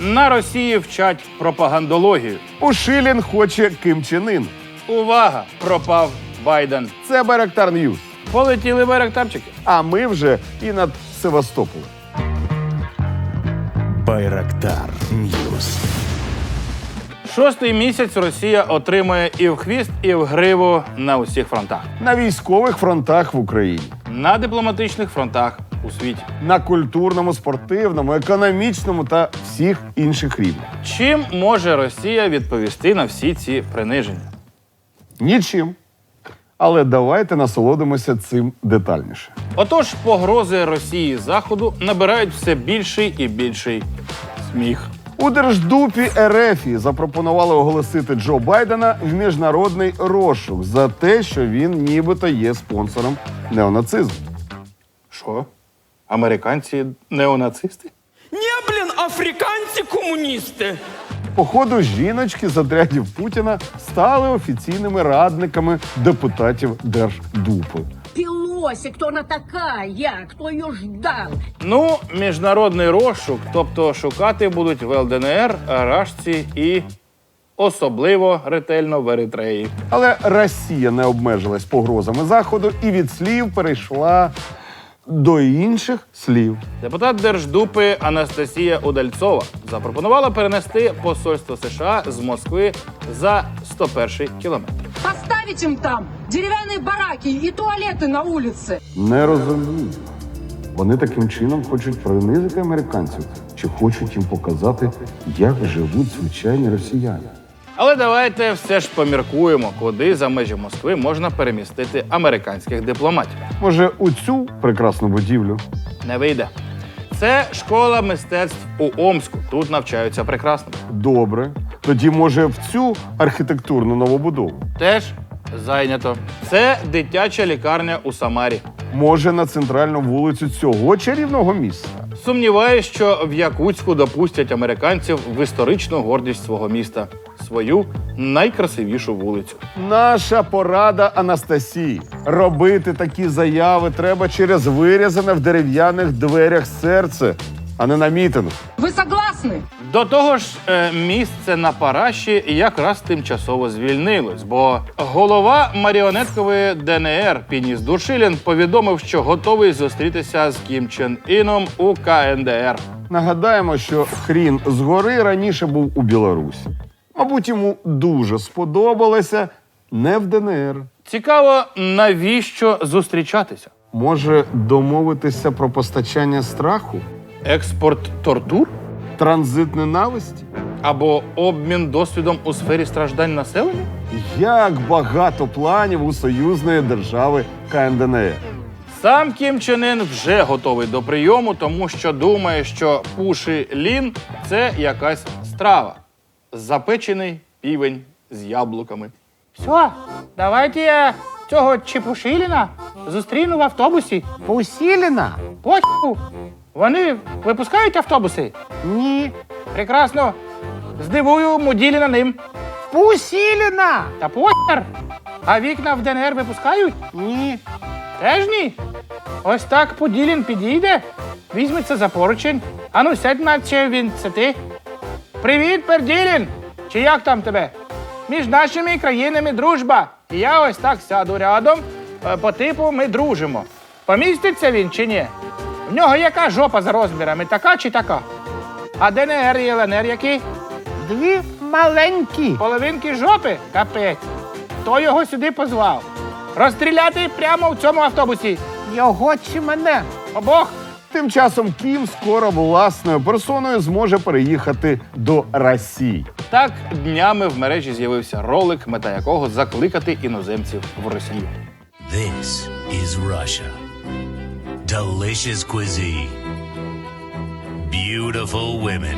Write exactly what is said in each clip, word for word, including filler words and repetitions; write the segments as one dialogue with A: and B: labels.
A: На Росії вчать пропагандологію.
B: Пушилін хоче Ким Чен Ін.
A: Увага! Пропав Байден.
B: Це Байрактар Ньюс.
A: Полетіли байрактарчики.
B: А ми вже і над Севастополем.
C: Байрактар Ньюс.
A: Шостий місяць Росія отримує і в хвіст, і в гриву на усіх фронтах.
B: На військових фронтах в Україні.
A: На дипломатичних фронтах у світі.
B: На культурному, спортивному, економічному та всіх інших рівнях.
A: Чим може Росія відповісти на всі ці приниження?
B: Нічим. Але давайте насолодимося цим детальніше.
A: Отож, погрози Росії Заходу набирають все більший і більший сміх.
B: У Держдупі РФ запропонували оголосити Джо Байдена в міжнародний розшук за те, що він нібито є спонсором неонацизму.
A: Що? Американці неонацисти?
D: Не, блін, африканці-комуністи.
B: Походу, жіночки з отрядів Путіна стали офіційними радниками депутатів Держдупи.
E: Пелоси, кто она такая? Кто ее ждал?
A: Ну, міжнародний розшук, тобто шукати будуть в Л Д Н Р, Рашці і особливо ретельно в Еритреї.
B: Але Росія не обмежилась погрозами Заходу і від слів перейшла до інших слів.
A: Депутат Держдупи Анастасія Удальцова запропонувала перенести посольство США з Москви за сто перший кілометр.
E: Поставить им там деревянные бараки и туалеты на улице.
B: Не розумію. Вони таким чином хочуть принизити американців чи хочуть їм показати, як живуть звичайні росіяни.
A: Але давайте все ж поміркуємо, куди за межі Москви можна перемістити американських дипломатів.
B: Може, у цю прекрасну будівлю?
A: Не вийде. Це школа мистецтв у Омську. Тут навчаються прекрасно.
B: Добре. Тоді, може, в цю архітектурну новобудову?
A: Теж зайнято. Це дитяча лікарня у Самарі.
B: Може, на центральну вулицю цього чарівного міста?
A: Сумніваюсь, що в Якутську допустять американців в історичну гордість свого міста. Свою найкрасивішу вулицю.
B: Наша порада Анастасії. Робити такі заяви треба через вирізане в дерев'яних дверях серце, а не на мітинг.
E: Вы согласны?
A: До того ж, е, місце на Параші якраз тимчасово звільнилось, бо голова маріонеткової Д Н Р Пініс Душилін повідомив, що готовий зустрітися з Кім Чен Іном у К Н Д Р.
B: Нагадаємо, що хрін згори раніше був у Білорусі. Мабуть, йому дуже сподобалося не в Д Н Р.
A: Цікаво, навіщо зустрічатися?
B: Може, домовитися про постачання страху?
A: Експорт тортур?
B: Транзит ненависті?
A: Або обмін досвідом у сфері страждань населення?
B: Як багато планів у союзної держави К Н Д Р.
A: Сам Кім Чен Ін вже готовий до прийому, тому що думає, що пуши лін – це якась страва. Запечений півень з яблуками. Все, давайте я цього Чепушиліна зустріну в автобусі.
F: Пусіліна?
A: Поху. Вони випускають автобуси?
F: Ні.
A: Прекрасно. Здивую Муділіна ним.
F: Пусіліна?
A: Та похер. А вікна в Д Н Р випускають?
F: Ні.
A: Теж ні. Ось так Поділін підійде, візьметься за поручень. Ану, сядь, наче він це ти. Привіт, Перділін! Чи як там тебе? Між нашими країнами дружба. І я ось так сяду рядом, е, по типу ми дружимо. Поміститься він чи ні? В нього яка жопа за розмірами, така чи така? А Д Н Р і Л Н Р які?
F: Дві маленькі.
A: Половинки жопи? Капець. Хто його сюди позвав? Розстріляти прямо в цьому автобусі.
F: Його чи мене?
A: Обох.
B: Тим часом Кім скоро власною персоною зможе переїхати до Росії.
A: Так, днями в мережі з'явився ролик, мета якого закликати іноземців в Росію.
C: This is Russia. Delicious cuisine. Beautiful women.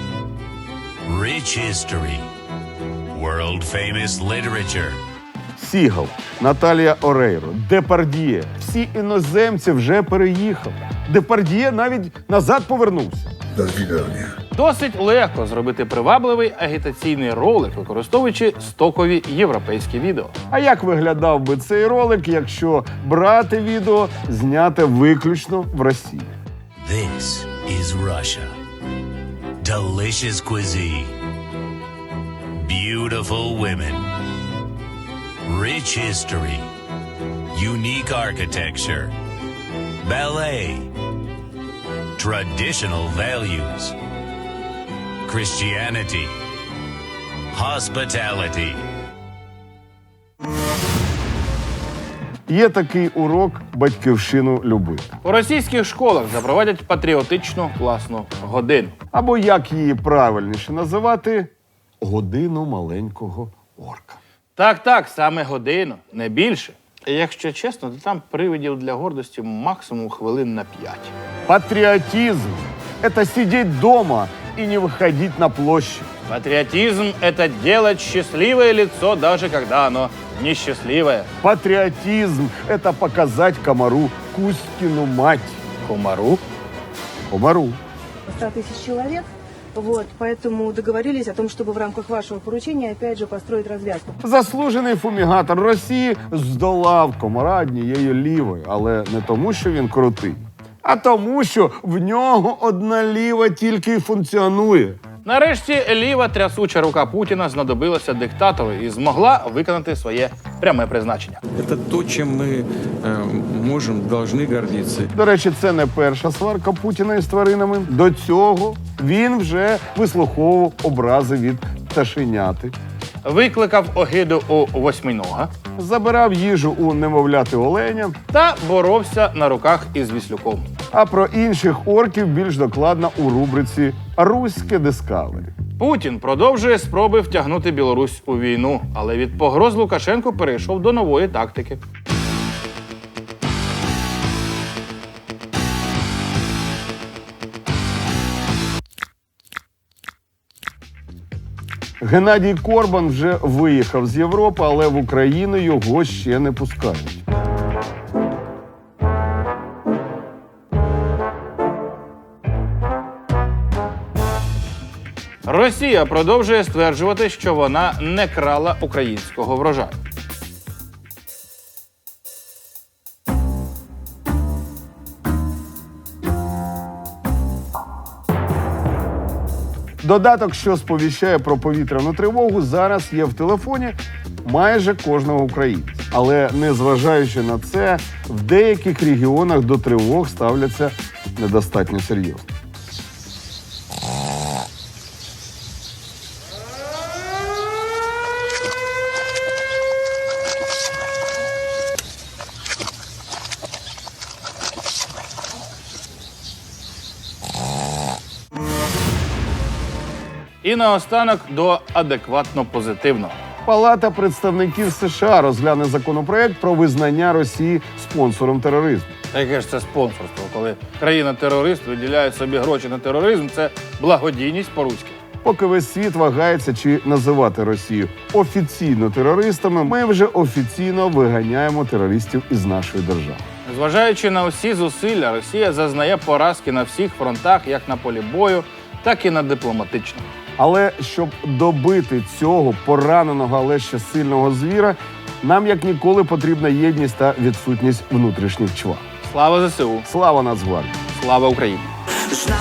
C: Rich history. World-famous literature.
B: Сігал, Наталія Орейро, Депардьє. Всі іноземці вже переїхали. Депардьє навіть назад повернувся.
A: Досить легко зробити привабливий агітаційний ролик, використовуючи стокові європейські відео.
B: А як виглядав би цей ролик, якщо брати відео, зняте виключно в Росії?
C: This is Russia. delicious cuisine, beautiful women, rich history, unique architecture, ballet, traditional values, Christianity, hospitality.
B: Є такий урок батьківщину любити.
A: У російських школах запровадять патріотичну класну годину.
B: Або як її правильніше називати годину маленького орка.
A: Так, так, саме годину, не більше. І якщо чесно, то там привидів для гордості максимум хвилин на п'ять.
B: Патриотизм – это сидеть дома и не выходить на площадь.
A: Патриотизм – это делать счастливое лицо, даже когда оно несчастливое.
B: Патриотизм – это показать комару Кузькину мать.
A: Комару?
B: Комару.
G: ста тысяч человек. Вот, поэтому договорились о том, чтобы в рамках вашего поручения опять же построить развязку.
B: Заслужений фумігатор Росії здолав комара однією лівою, але не тому, що він крутий, а тому, що в нього одна ліва тільки й функціонує.
A: Нарешті ліва трясуча рука Путіна знадобилася диктатору і змогла виконати своє пряме призначення.
H: Это то, чем мы э, можем, должны гордиться.
B: До речі, це не перша сварка Путіна із тваринами. До цього він вже вислуховував образи від пташеняти,
A: Викликав огиду у восьминога
B: забирав їжу у немовляти оленя,
A: та боровся на руках із Віслюком.
B: а про інших орків більш докладно у рубриці «Руське Дискавері».
A: Путін продовжує спроби втягнути Білорусь у війну, але від погроз Лукашенко перейшов до нової тактики.
B: Геннадій Корбан вже виїхав з Європи, але в Україну його ще не пускають.
A: Росія продовжує стверджувати, що вона не крала українського врожаю.
B: Додаток, що сповіщає про повітряну тривогу, зараз є в телефоні майже кожного українця. Але незважаючи на це, в деяких регіонах до тривог ставляться недостатньо серйозно.
A: І наостанок до адекватно позитивного.
B: Палата представників США розгляне законопроект про визнання Росії спонсором тероризму.
A: Яке ж це спонсорство, коли країна-терорист виділяє собі гроші на тероризм, це благодійність по-руськи.
B: Поки весь світ вагається, чи називати Росію офіційно терористами, ми вже офіційно виганяємо терористів із нашої держави.
A: Зважаючи на усі зусилля, Росія зазнає поразки на всіх фронтах, як на полі бою, так і на дипломатичному.
B: Але щоб добити цього пораненого, але ще сильного звіра, нам як ніколи потрібна єдність та відсутність внутрішніх чвар.
A: Слава ЗСУ!
B: Слава Нацгвардії!
A: Слава Україні!
I: There's not